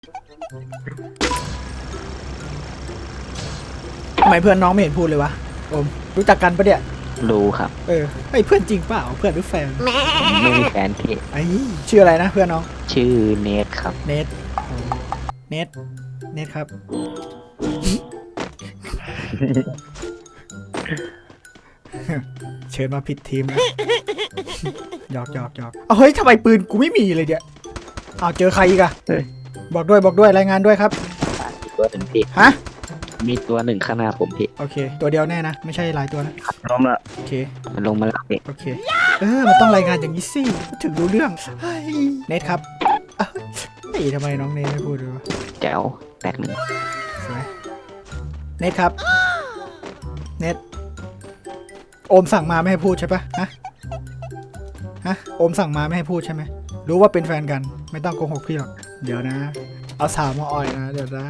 ทำไมเพื่อนน้องไม่เห็นพูดเลยวะโอมรู้จักกันปะเนี่ยรู้ครับไอ้เพื่อนจริงเปล่าเพื่อนหรือแฟนไม่มีแฟนพี่ไอ้ชื่ออะไรนะเพื่อนน้องชื่อเนทครับเนทครับเชิญมาผิดทีมนะหยอกเฮ้ยทำไมปืนกูไม่มีเลยเนี่ยเจอใครอีกอะบอกด้วยรายงานด้วยครับตัวหนึ่งพี่ฮะมีตัวหนึ่งข้างหน้าผมพี่โอเคตัวเดียวแน่นะไม่ใช่หลายตัวนะล้มละโอเคมันลงมาแล้วพี่โอเคมันต้องรายงานอย่างนี้สิถึงรู้เรื่องเนทครับทำไมน้องเนทไม่พูดเลยวะแจ๋วแตกหนึ่งสวยเนทครับเนทโอมสั่งมาไม่ให้พูดใช่ปะฮะโอมสั่งมาไม่ให้พูดใช่ไหมรู้ว่าเป็นแฟนกันไม่ต้องโกหกพี่หรอกเดี๋ยวนะเอาสาวมาอ่อยนะเดี๋ยวนะ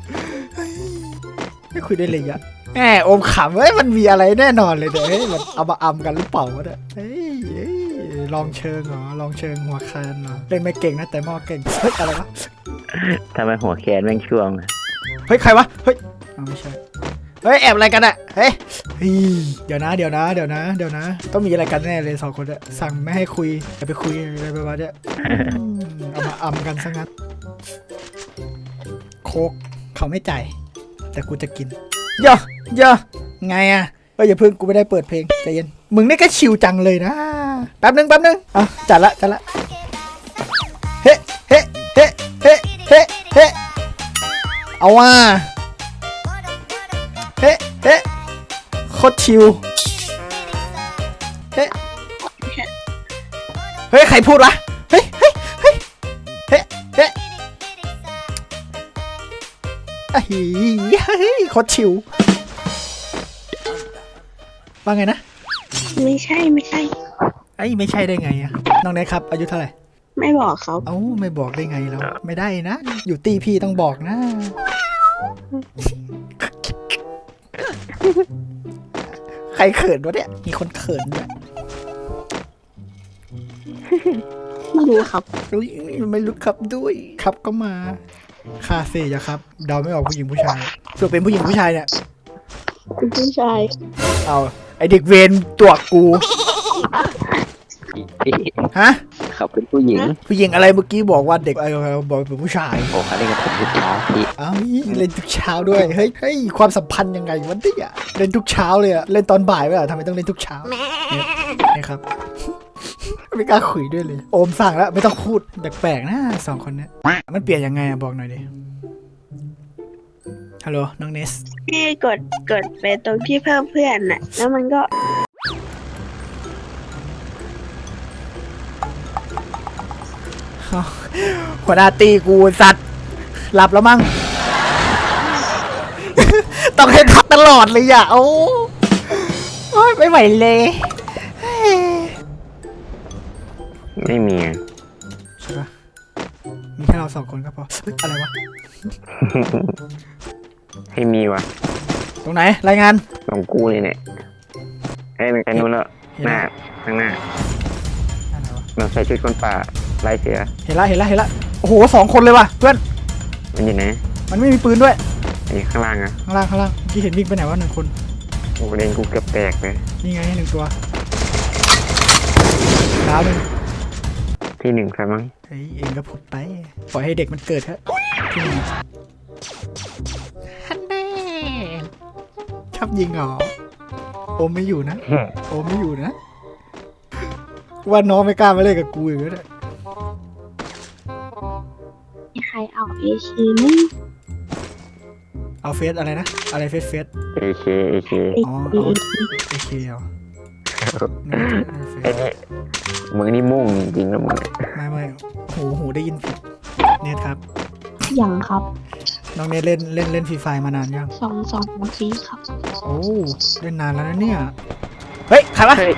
ไม่คุยได้เลยอะแหมโอมขำมันมีอะไรแน่นอนเลยเดี๋ยวมันเอามาอำกันหรือเปล่าวะเนี่ยลองเชิงเหรอลองเชิงหัวแคนเหรอเล่นไม่เก่งนะแต่มอเก่งอะไรวะทำไมหัวแคนแม่งช่วงใครวะไม่ใช่แอบอะไรกันอะเดี๋ยวนะต้องมีอะไรกันแน่เลย2 คนอะสั่งไม่ให้คุยอย่าไปคุยอะไรประมาณนี้เอามาอำกันซะงั้นโคกเขาไม่จ่ายแต่กูจะกินย่อไงอะอย่าเพิ่งกูไม่ได้เปิดเพลงใจเย็นมึงนี่ก็ชิวจังเลยนะแป๊บนึงจัดละเฮ้เอาว่าเฮ้โคตรชิวเฮ้ยใครพูดวะเฮ้โคตรชิวว่าไงนะไม่ใช่ไม่ใช่ได้ไงอะน้องเนทครับอายุเท่าไหร่ไม่บอกเขาไม่บอกได้ไงแล้วไม่ได้นะอยู่ตีพี่ต้องบอกนะใครเขินวะเนี่ยมีคนเขินด้วยไม่รู้ครับไม่รู้ครับด้วยครับก็มาคาเฟ่ยะครับเดาไม่ออกผู้หญิงผู้ชายส่วนเป็นผู้หญิงผู้ชายเนี่ยเป็นผู้ชายไอเด็กเวรตัวกูฮะเขาเป็นผู้หญิงอะไรเมื่อกี้บอกว่าเด็กบอกเป็นผู้ชายโอ้เขาเล่นกับผมทุกเช้าพี่เล่นทุกเช้าด้วยเฮ้ยความสัมพันธ์ยังไงวันนี้เล่นทุกเช้าเลยเล่นตอนบ่ายไม่เหรอทำไมต้องเล่นทุกเช้านี่ครับไม่กล้าคุยด้วยเลยโอมสั่งแล้วไม่ต้องพูดแปลกๆนะ2 คนนี้มันเปลี่ยนยังไงบอกหน่อยดิฮัลโหลน้องเนสพี่กดไปตรงที่เพิ่มเพื่อนน่ะแล้วมันก็หัวหน้าตีกูสัตว์หลับแล้วมั้งต้องให้ทักตลอดเลยโอ้ยไม่ไหวเลยไม่มีใช่ปะมีแค่เรา2 คนก็พออะไรวะให้มีวะตรงไหนรายงานตรงกูนี่เนี่ยมันกันนู้นแล้วข้างหน้าเราใส่ชุดคนป่าไล่เสือเห็นละโอ้โห2 คนเลยว่ะเพื่อนมันอยู่ไหนมันไม่มีปืนด้วยข้างล่างข้างล่างที่เห็นวิ่งไปไหนวะ1 คนโอ้เล่นกูเกือบแตกเลยนี่ไง1 ตัวดาว1 ที่1ครับมั้งเองก็พูดไปปล่อยให้เด็กมันเกิดเถอะที่1ฮันแน่ชอบยิงเหรอโอมไม่อยู่นะว่าน้องไม่กล้ามาเล่นกับกูอีกแล้วเนี่ยมีใครเอาAKไหมเอาเฟสอะไรนะอะไรเฟส AK อ๋อAKเหรอไอ้นี่มึงนี่มุ่งจริงๆนะมึงไม่โหได้ยินผิดเนทครับยังครับน้องเนทเล่นฟรีไฟมานานยัง 2 ปีครับโอ้เล่นนานแล้วนะเนี่ยเฮ้ยใครวะ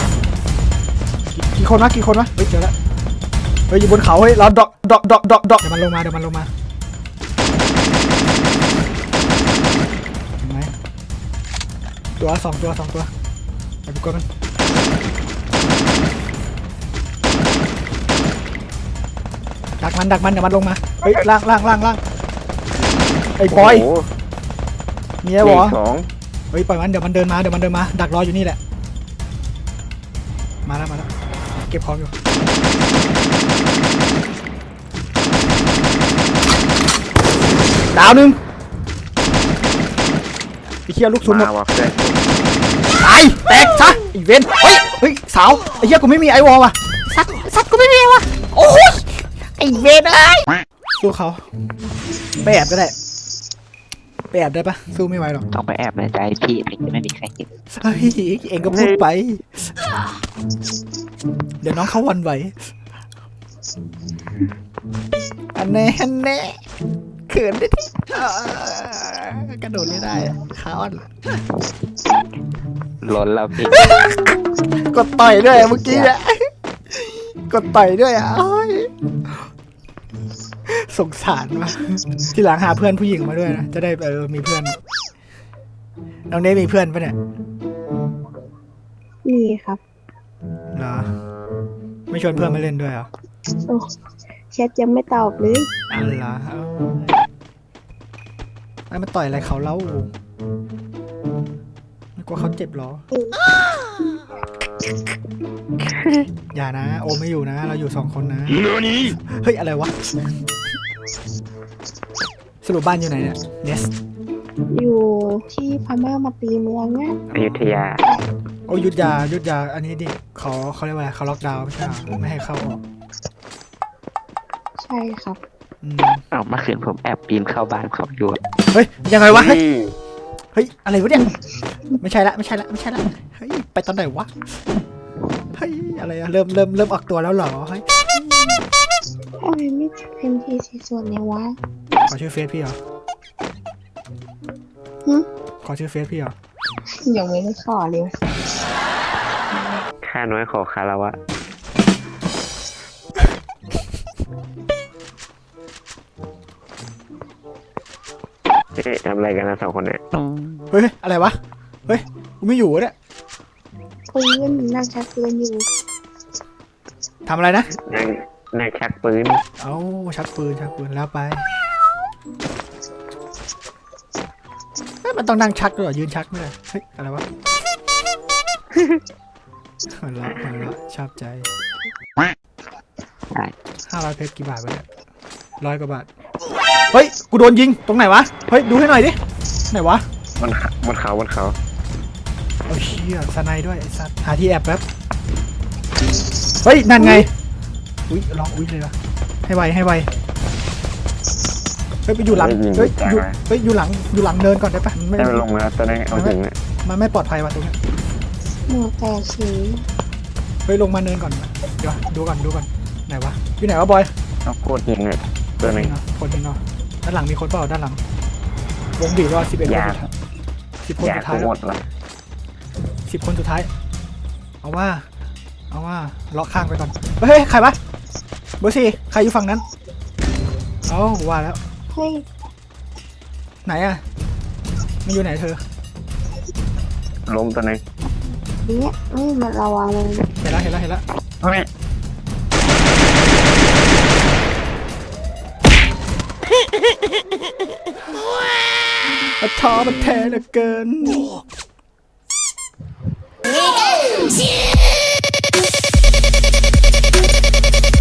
กี่คนวะเฮ้ยเจอแล้วอยู่บนเขาเฮ้ยเราดอกเดี๋ยวมันลงมาเห็นไหมตัว2 ตัวไปดูกันมันดักมันเดี๋ยวมันลงมาเฮ้ยล่างไอ้บอยโโหมีไอ้บอสองเฮ้ยปล่อยมันเดี๋ยวมันเดินมาดักรออยู่นี่แหละมาแล้วเก็บของอยู่ดาวหนึ่งไอ้เหี้ยลูกซุนหมดมาว่ะเพื่อนตายแตกซะอีเวนเฮ้ยสาวไอ้เหี้ยกูไม่มีไอวอลว่ะสัตว์กูไม่มีว่ะโอ้ยไอ้เวนเอ้ยสู้เขาไปแอบก็ได้ไปแอบได้ปะสู้ไม่ไหวหรอกต้องไปแอบในใจพี่ถึงจะไม่มีใครเห็นเฮ้ยเองก็พูดไป เดี๋ยวน้องเขาหวันไหวอันแน่เขินได้ที่กระโดดไม่ได้อะขาอ่อนล้นแล้วพี่กดต่อยด้วยเมื่อกี้อะกดต่อยด้วยอ่ะโอ้ยสงสารว่ะทีหลังหาเพื่อนผู้หญิงมาด้วยนะจะได้มีเพื่อนน้องเนทมีเพื่อนปะเนี่ยนี่ครับเหรอไม่ชวนเพื่อนมาเล่นด้วยเหรอโอ้แชทยังไม่ตอบเลยอันเหรอไอ้มาต่อยอะไรเขาเล่าไม่กลัวเขาเจ็บเหรอ อย่านะโอมไม่อยู่นะ เราอยู่2 คนนะเฮ้ยอะไรวะสรุปบ้านอยู่ไหนเนี่ยเนสอยู่ที่พม่ามาตีเมืองเนี่ยอยุธยาโอ้ยุดยาอันนี้ดิเขาเรียกว่าอะไรเขาล็อกดาวน์ไม่ใช่เหรอไม่ให้เข้าออกใช่ครับอืมเอาเมื่อคืนผมแอบปีนเข้าบ้านเขาอยู่เฮ้ยยังไงวะเฮ้ยอะไรวะเนี่ยไม่ใช่ละเฮ้ยไปตอนไหนวะเฮ้ยอะไรอะเริ่มออกตัวแล้วเหรอเฮ้ยทำไมไม่เต็มที่สิส่วนเนี่ยวะขอชื่อเฟซพี่เหรอหึขอชื่อเฟซพี่เหรอยังไม่ได้ขอเลยข้าน้อยขอคาราวะเอ๊ะทำอะไรกันนะ2 คนเนี่ยเฮ้ยอะไรวะเฮ้ยกูไม่อยู่เนี่ยปืนนั่งชักปืนอยู่ทำอะไรนะนั่งชักปืนเอ้าชักปืนแล้วไปเฮ้ยมันต้องนั่งชักด้วยเหรอยืนชักไม่ได้เฮ้ยอะไรวะหัวเราะชอบใจได้ 500 เพชรกี่บาทวะเนี่ย100 กว่าบาทเฮ้ยกูโดนยิงตรงไหนวะเฮ้ยดูให้หน่อยดิไหนวะบนเขาโอ้เชี่ยสไนด์ด้วยไอ้สัตว์หาที่แอบแป๊บเฮ้ยนั่นไงอุ้ยลองอุ้ยเลยวะให้ไวเฮ้ยไปอยู่หลังเฮ้ยอยู่หลังเนินก่อนได้ปะมันไม่ให้มันลงมาตอนนี้เอาถึงเนี่ยมันไม่ปลอดภัยว่ะตรงเนี้ยหนูแต่สีเฮ้ยลงมาเนินก่อนเดี๋ยวดูก่อนไหนวะอยู่ไหนวะบอยเอาโคตรยิงเลยตัวนึงคนยิงเนาะด้านหลังมีคนเปล่าด้านหลังวงบีบว่า11 คนยา 10 คนอยากสุดท้ายหมดละ 10 คนสุดท้ายเอาว่าเลาะข้างไปก่อนเฮ้ยใครวะเบอร์4ใครอยู่ฝั่งนั้นเอ้าว่าแล้วเฮ้ยไหนอะมันอยู่ไหนเธอล้มตัวนึงเนี่ยนี่มันระวังเลยเห็นแล้วเฮ้ยมันท้อมันแท้เหลือเกิน